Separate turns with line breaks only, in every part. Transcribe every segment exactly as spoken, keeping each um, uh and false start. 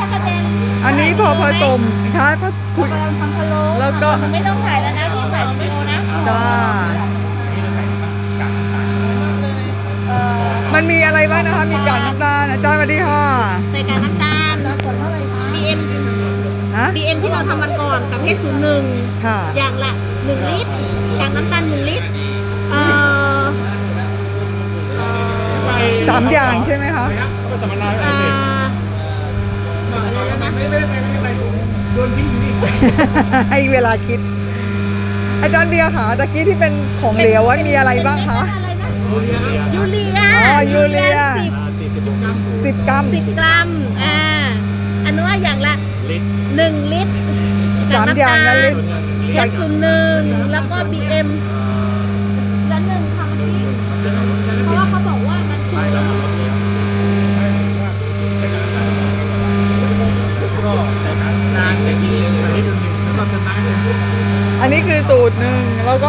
กระเด็น
อันนี้พอผสมค่ะพอ
คุ
คุ
ณ
ย
กำลังทำพะโล้
แล้วก็
ไม่ต้องถ่ายแล้วนะพี่ถ่ายวิดีโอนะ
จ้า
เอ่อ
มันมีอะไรบ้างนะคะ มีกากน้ำตาลอาจารย์สวัสดีค่ะ
ใส่กากน้ำตาลเท่าไหร่คะ บี เอ็ม
ฮะ
บี เอ็ม ที่เราทำมันก่อนกับ เอช ศูนย์ หนึ่ง
ค่ะ
อย่างละหนึ่งลิตรกากน้ำตาลหนึ่งลิตรเอ่อเอ่อ
สามอย่างใช่ไหมคะ
ก็สัมมนา
เอ่ออะไรแล้วนะ
ไม่ไม่ไม่ไม่ไม่โดนทิ้งอยู่นี่
ให้เวลาคิด อาจารย์เบียร์ค่ะตะกี้ที่เป็นของเหลวว่ามีอะไรบ้างคะ
อะไรนะยูเรีย
อ๋อยูเรีย
สิบ
สิบกรัม
สิบกรัมอ่าอันนู้นว่าอย่างละ
ลิตร
หนึ่งลิตร
สามอย่างนั้นลิตร
แคปซูลหนึ่งแล้วก็ บี เอ็ม แล้วหนึ่งค่ะเมื่อกี้เพราะว่าเขาบอกว่ามันคือ
ก็แต่นานจะกินเลยนิดนึงแล้วก็จะน้ำเลย
อันนี้คือสูตรหนึ่งแล้วก็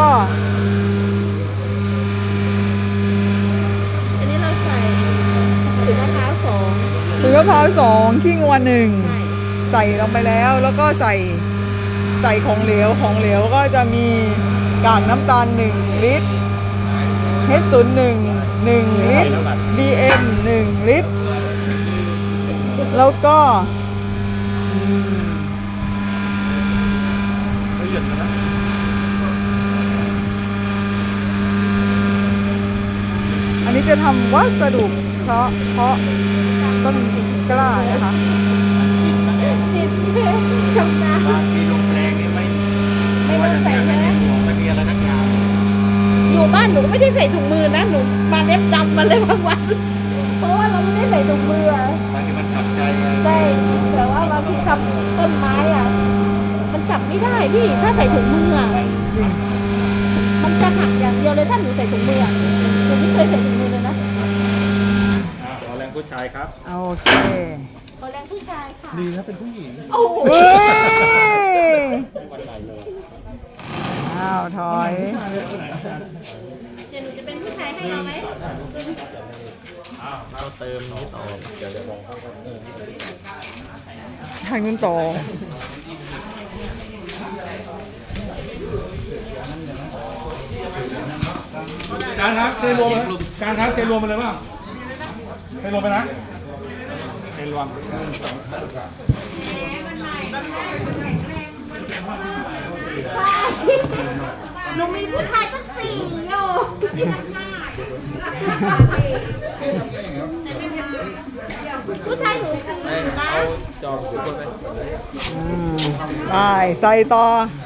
อันนี้เราใส่ถุงมะพร้าวสอง
ถุงมะพร้าวสองขี้งวหนึ่ง
ใช่
ใส่ลงไปแล้วแล้วก็ใส่ใส่ของเหลวของเหลวก็จะมีกากน้ำตาลหนึ่งลิตร เอช ศูนย์ หนึ่ง หนึ่งลิตร บี เอ็ม หนึ่งลิตร แล้วก็อืม
ละเอียดนะ
อันนี้จะทำวัสดุเพราะเพราะต้นกล้านะคะ
จิตชำนาญ
บางทีลงแรงนี่ไม่
ไม่ต้องใส่
ไม่
นะ
มีหัวไม่มีอะไรทั้งอย่าง
อยู่บ้านหนูก็ไม่ได้ใส่ถุงมือนะหนูมาเล็บดำมาเลยบางวัน เพราะว่าเราไม่ได้ใส่ถุงมืออะ
บางทีมันขัดใจไง
ใช่แต่ว่าบางทีทำต้นไม้อ่ะ มันจับไม่ได้พี่ถ้าใส่ถุงมืออ่ะ
จริง
มันจะหักอย่างเดียวเลยถ้าหนูใส่ถุงมืออะหนูไม่เคยใส่ถุงมือเลยนะ
อ่าขอแรงผู้ชายครับ
โอเค
ขอแรงผู้ชายค่ะ
ดีนะเป็นผู้หญิง
โอ้โห
เฮ้ย
วันไหนเลย
อ้าวถอย
เดี๋ยวหนูจะเป็นผู้ชายให้เราไหม
อ้าวเราเติมนี้ต่อเดี๋ยวจะลองเข้ากันเออ
ทางนู้นต่อ
การครับเทรวมเลยการครับเทรวมมาเลยป่ะเทรวมไปนะเทรวม
ใช่หนูมีผู้ชายตั้งสี่โยผู้ชายหนูสี่นะ
จองทุกคนเลย
อืมไปใส่ต่อ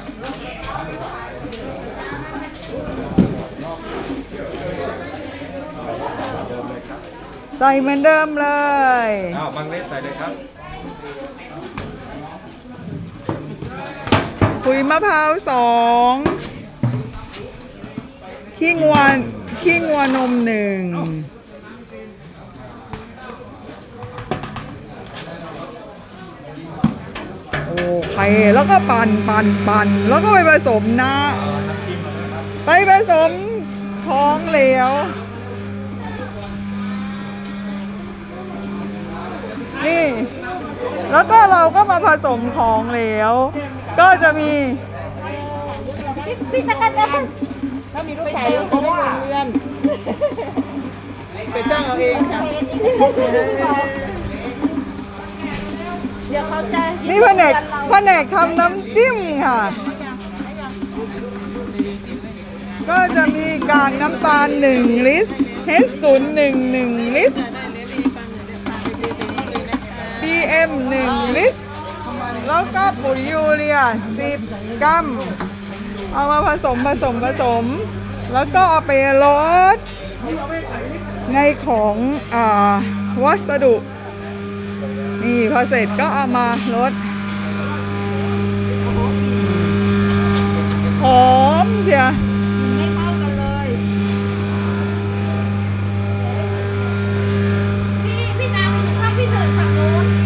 ใส่เหมือนเดิมเลย
อ้าวบางเล็กใส่เลยครับ
ขุยมะพร้าวสองขี้งวนขี้งวนมหนึ่งโอเคแล้วก็ปั่นปั่นปั่นแล้วก็ไปผสมนะ
น้ำจิ้มมาเลยครับ
ไปผสมของเหลว นี่ แล้วก็เราก็มาผสมของเหลว ก็จะมี
พี่ตะกันนะถ้ามีลูกชายเขาได้เรียนไปจ้างเอาเองค่ะเดี๋ยวเขาจะ
นี่แผนกแผนกทำน้ำจิ้มค่ะ ก็จะมีกากน้ำตาลหนึ่งลิตร เอช ศูนย์ หนึ่ง หนึ่งลิตร บี เอ็ม หนึ่งลิตร แล้วก็ปุ๋ยยูเรียสิบกรัม เอามาผสมผสมผสม แล้วก็เอาไปลดในของอ่าวัสดุ นี่พอเสร็จก็เอามาลดหอมเชียว
ไม่เท่ากันเลยพี่พี่น้ำถ้าพี่เดินฝั่งนู้น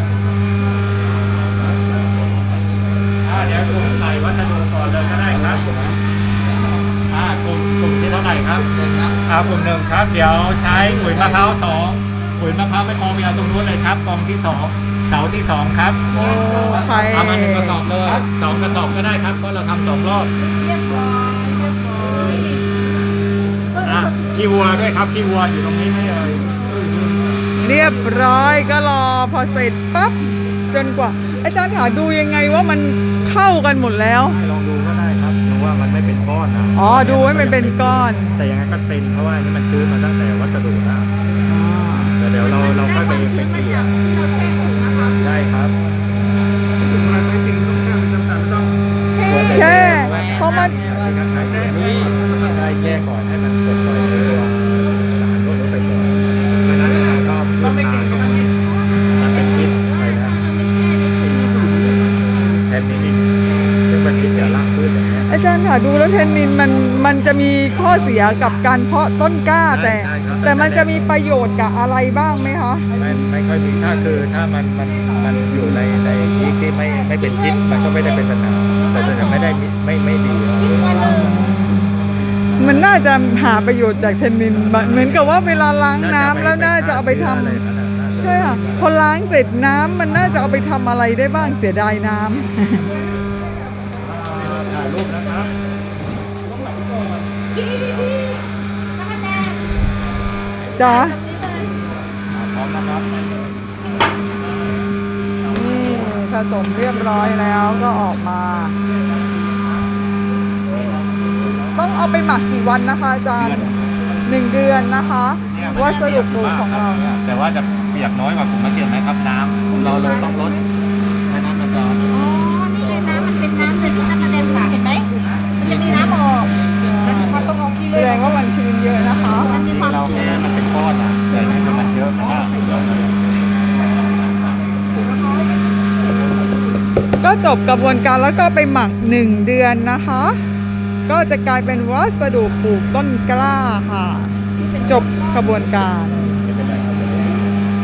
อ่าเดี๋ยวกลุ่มใส่วัสดุก่อนเลยก็ได้ครับอ่ากลุ่มกลุ่มที่เท่าไหร่ครับอ่ากลุ่มหนึ่งครับ เดี๋ยวใช้ปุ๋ยมะพร้าวสองปุ๋ยมะพร้าวไม่พอไปเอาตรงนู้นเลยครับกองที่สองเสาที่สองครับ
โอ้ใคร
เอามาหนึ่งกระสอบเลยสองกระสอบก็ได้ครับเพราะเราทำสองรอบ
เรียบร้อยเรียบร้อย
อ่ะขี้วัวด้วยครับขี้วัวอยู่ตรงนี้ไหมเอ่ย
เรียบร้อยก็รอพอเสร็จปั๊บจนกว่า อาจารย์ขาดูยังไงว่ามันเข้ากันหมดแล้ว
ให้ลองดูก็ได้ครับดูว่ามันไม่เป็นก้อนนะ
อ๋อดูให้มันเป็นก้อน
แต่ยังไงก็เป็นเพราะว่านี่มันชื้นมาตั้งแต่วัสดุแล้วแต่เดี๋ยวเราเราค่อยไปไปเกลี่ย
ที่เราแช่ถุงนะคะ
ได้ครับ
แช่เพราะมัน
นี่ได้แช่ก่อนให้มันปลดปล่อยตัวสารพวกนี้ไปก่อนไม่นั้นมันก็พืชตายก็มันเป็นพิษไปนะแทนนินซึ่งเป็นพิษกับรากพืชอย่างเงี้ย
อาจารย์ค่ะดูแล้วเทนนินมันมันจะมีข้อเสียกับการเพาะต้นกล้าแต่
ใช่ครับ
แต่มันจะมีประโยชน์กับอะไรบ้างไหมคะ
ไม่ไม่ค่อยมีถ้าคือถ้ามันมันมันอยู่ในในที่ที่ไม่ไม่เป็นพิษมันก็ไม่ได้เป็นปัญหาแต่จะไม่ได้มีไม่ไม่ดีหรอก
มันน่าจะหาประโยชน์จากเทนนินเหมือนกับว่าเวลาล้างน้ำแล้วน่าจะเอาไปทำ
อะไรนั่นน่ะน่าจะ
ใช่ค่ะพอล้างเสร็จน้ำมันน่าจะเอาไปทำอะไรได้บ้างเสียดายน้ำ
ถ่ายรูปนะครับ
จ๋า
พร้อมนะครับ
นี่ผสมเรียบร้อยแล้วก็ออกมา ต้องเอาไปหมักกี่วันนะคะอาจารย์หนึ่งเดือนนะคะวัสดุปลูกของเรา
แต่ว่าจะเปียกน้อยกว่ากลุ่มมะเขือไหมครับน้ำเราเราต้องลดไม่นั้นมันจะ
อ๋อ นี่เลยน้ำมันเป็นน้ำเลยที่ตะกะแตนสาเห็นไหมมันจะมีน้ำออกมันต้องเอาขี้
แส
เลื่
ด
อย
งว่ามันชื้นเยอะนะคะ
มันมีความ
เรา
ชื้
แค่
น
มันเป็นก้อนอ่ะแต่นี่มันเยอะมันก็เยอะเลย
ก็จบกระบวนการแล้วก็ไปหมักหนึ่งเดือนนะคะ ก็จะกลายเป็นวัสดุปลูกต้นกล้าค่ะ จบกระบวนการ